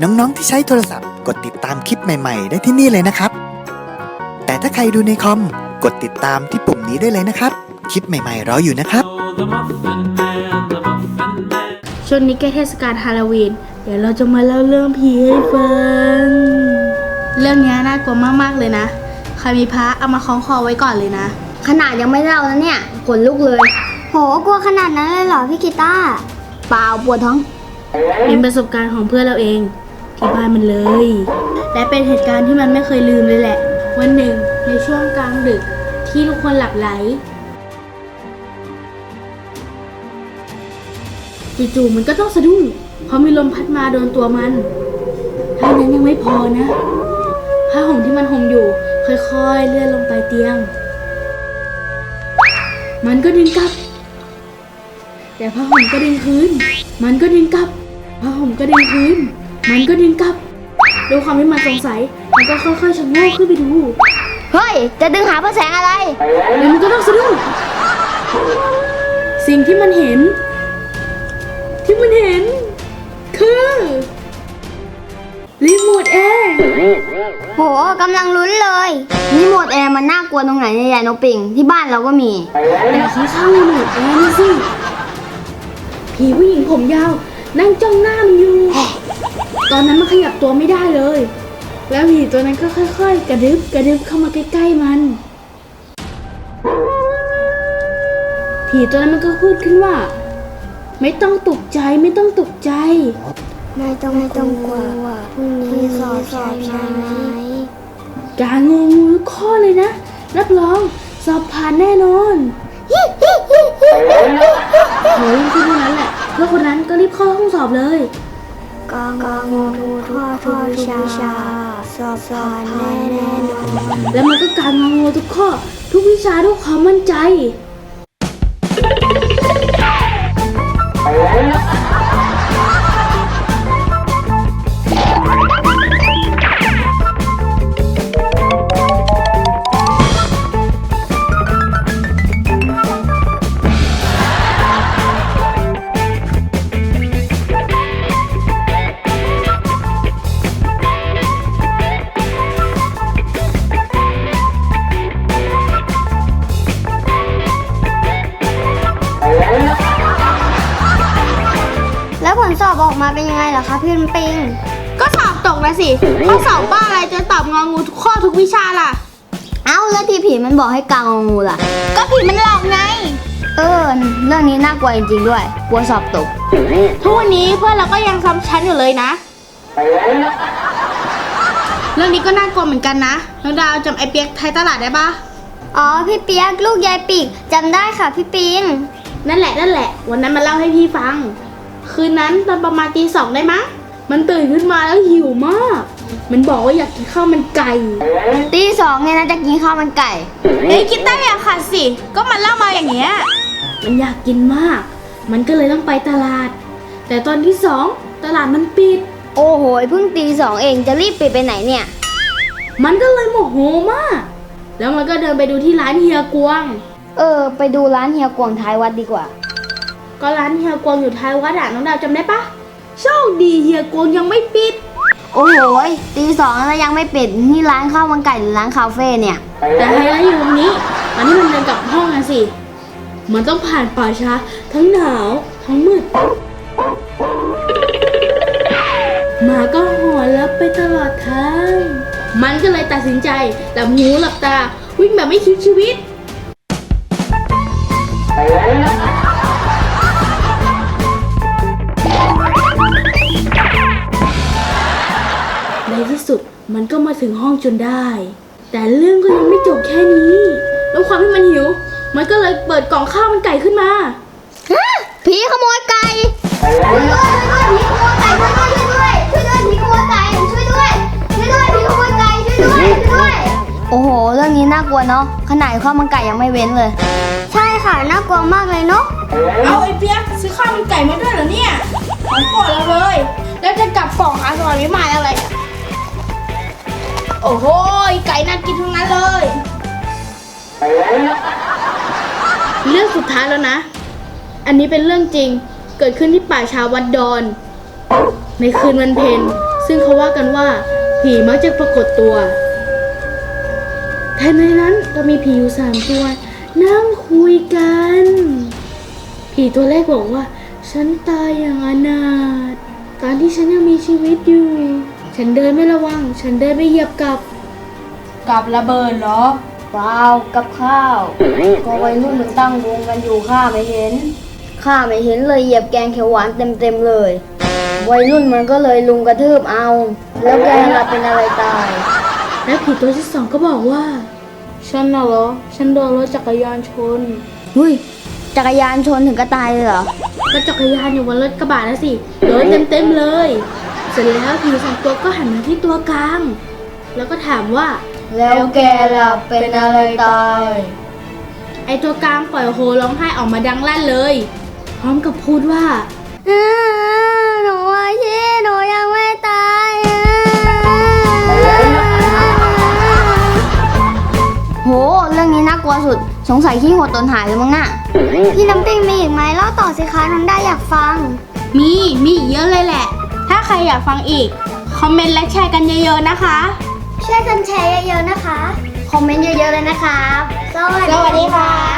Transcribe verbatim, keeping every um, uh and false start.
น้องๆที่ใช้โทรศัพท์กดติดตามคลิปใหม่ๆได้ที่นี่เลยนะครับแต่ถ้าใครดูในคอมกดติดตามที่ปุ่มนี้ได้เลยนะครับคลิปใหม่ๆรออยู่นะครับช่วงนี้ใกล้เทศกาลฮาโลวีนเดี๋ยวเราจะมาเล่าเรื่องผีให้ฟังเรื่องนี้น่ากลัวมากๆเลยนะใครมีพระเอามาคล้องคอไว้ก่อนเลยนะขนาดยังไม่เล่านะเนี่ยขนลุกเลยโหกลัวขนาดนั้นเลยเหรอพี่กีตาร์เปล่าปวดท้องเป็นประสบการณ์ของเพื่อนเราเองที่บ้านมันเลยและเป็นเหตุการณ์ที่มันไม่เคยลืมเลยแหละวันหนึ่งในช่วงกลางดึกที่ทุกคนหลับไหลจู่ๆมันก็ต้องสะดุ้งเพราะมีลมพัดมาโดนตัวมันเท่านั้นยังไม่พอนะผ้าห่มที่มันห่มอยู่ค่อยๆเลื่อนลงไปเตียงมันก็ดึงกลับแต่ผ้าห่มก็ดึงคืนมันก็ดึงกลับผ้าห่มก็ดึงคืนมันก็ดึงกลับด้วยความที่มันสงสัยมันก็ค่อยๆชะโงกขึ้นไปดูเฮ้ยจะดึงหาพระแสงอะไรแล้วมันก็ต้องสะดุ้งสิ่งที่มันเห็นที่มันเห็นคือรีโมทแอร์โหกำลังลุ้นเลยรีโมทแอร์มันน่ากลัวตรงไหนเนี่ยยายนกปิงที่บ้านเราก็มีแต่ข้างๆรีโมทแอร์นี่สิผีผู้หญิงผมยาวนั่งจ้องหน้ามันอยู่ตอนนั้นมันขยับตัวไม่ได้เลยแล้วผีตัวนั้นก็ค่อยๆกระดึบกระดึบเข้ามาใกล้ๆมันผีตัวนั้นมันก็พูดขึ้นว่าไม่ต้องตกใจไม่ต้องตกใจไม่ต้องไม่ต้องกลัวพรุ่งนี้สอบใช่ไหมการงงงูทุกข้อเลยนะรับรองสอบผ่านแน่นอนโหยิ่งขึ้นเท่านั้นแหละเพื่อนคนนั้นก็รีบเข้าห้องสอบเลยกางงูทุกข้อทุกวิชาสอบผ่านแน่แน่นอนแล้วมันก็การงงูทุกข้อทุกวิชาด้วยความมั่นใจแล้วผลสอบออกมาเป็นยังไงเหรอคะพี่น้ำปิงก็สอบตกนะสิข้อสอบบ้าอะไรจะตอบงองูทุกข้อทุกวิชาล่ะเอ้าแล้วที่ผีมันบอกให้กางงองูล่ะก็ผีมันหลอกไงเออเรื่องนี้น่ากลัวจริงๆด้วยกลัวสอบตกทุกวันนี้เพื่อนเราก็ยังซ้ำชั้นอยู่เลยนะเรื่องนี้ก็น่ากลัวเหมือนกันนะน้องดาวจำไอเปียกไทยตลาดได้ปะอ๋อพี่เปียกลูกยายปีกจำได้ค่ะพี่ปิงนั่นแหละนั่นแหละวันนั้นมาเล่าให้พี่ฟังคืนนั้นตอนประมาณตีสองได้มั้งมันตื่นขึ้นมาแล้วหิวมากมันบอกว่าอยากกินข้าวมันไก่ตีสองเนี่ยนะจะกินข้าวมันไก่เอ้ยคิดได้อย่าขัดสิก็มันเล่ามาอย่างเงี้ยมันอยากกินมากมันก็เลยต้องไปตลาดแต่ตอนที่สองตลาดมันปิดโอ้โหเพิ่งตีสองเองจะรีบปิดไปไหนเนี่ยมันก็เลยโมโหมากแล้วมันก็เดินไปดูที่ร้านเฮียกวงเออไปดูร้านเฮียกวงท้ายวัดดีกว่าก็ร้านเฮียกวงอยู่ท้ายวัดอ่ะน้องดาวจำได้ปะโชคดีเฮียกวงยังไม่ปิดโอ้โหตีสองแล้วยังไม่ปิดนี่ร้านข้าวมันไก่หรือร้านคาเฟ่เนี่ยแต่ไฮไลท์อยู่ตรงนี้ตอนนี้มันเดินกลับห้องนะสิมันต้องผ่านป่าช้าทั้งหนาวทั้งมืดหมาก็หอนแล้วไปตลอดทางมันก็เลยตัดสินใจหลับหูหลับตาวิ่งแบบไม่คิดชีวิตในที่สุดมันก็มาถึงห้องจนได้แต่เรื่องก็ยังไม่จบแค่นี้แล้วความที่มันหิวมันก็เลยเปิดกล่องข้าวมันไก่ขึ้นมาผีขโมยไก่ช่วยด้วยช่วยด้วยผีขโมยไก่ช่วยด้วยช่วยด้วยผีขโมยไก่ช่วยด้วยช่วยด้วยผีขโมยไก่ช่วยด้วยช่วยด้วยโอ้โหเรื่องนี้น่ากลัวเนาะขนาดข้าวมันไก่ยังไม่เว้นเลยใช่ค่ะน่ากลัวมากเลยเนาะเอาไอ้เปี๊ยกซื้อข้าวมันไก่มาด้วยเหรอเนี่ยของโปรดเราเลยแล้วจะกลับกล่องหาสวรรค์วิมานอะไรโอ้โหไก่น่ากินทั้งนั้นเลยเรื่องสุดท้ายแล้วนะอันนี้เป็นเรื่องจริงเกิดขึ้นที่ป่าช้าวัดดอนในคืนวันเพ็ญซึ่งเขาว่ากันว่าผีมักจะปรากฏตัวแต่ในนั้นก็มีผีอยู่สามตัวนั่งคุยกันผีตัวแรกบอกว่าฉันตายอย่างอนาถตอนที่ฉันยังมีชีวิตอยู่ฉันเดินไม่ระวังฉันเดินไม่เหยียบกับกับระเบิดเหรอเปล่ากับข้าว ก็วัยรุ่นมันตั้งวงกันอยู่ข้าไม่เห็นข้าไม่เห็นเลยเหยียบแกงเขียวหวานเต็มๆเลย วัยรุ่นมันก็เลยลุมกระทืบเอา แล้วแกล่ะเป็นอะไรตายและผีตัวที่สองก็บอกว่าฉันน่ะเหรอฉันโดนรถจักรยานชนหุ้ยจักรยานชนถึงก็ตายเลยเหรอก็จักรยานอยู่บนรถกระบะนะสิโดนเต็มๆเลย เสร็จแล้วผีสองตัวก็หันมาที่ตัวกลางแล้วก็ถามว่าแล้วแกล่ะเป็นอะไรตายไอตัวกลางปล่อยโฮร้องไห้ออกมาดังลั่นเลย พร้อมกับพูดว่าหนูอาชีหนูยังไม่ตายโหเรื่องนี้น่ากลัวสุดสงสัยขี้หดตนหายเลยมั้งน่ะพี่น้ำปิงมีอีกไหมเล่าต่อสิคะน้องได้อยากฟังมีมีอีกเยอะเลยแหละ ถ้าใครอยากฟังอีกคอมเมนต์และแชร์กันเยอะๆนะคะช่วยกันแชร์เยอะๆนะคะ คอมเมนต์เยอะๆเลยนะครับ สวัสดีค่ะ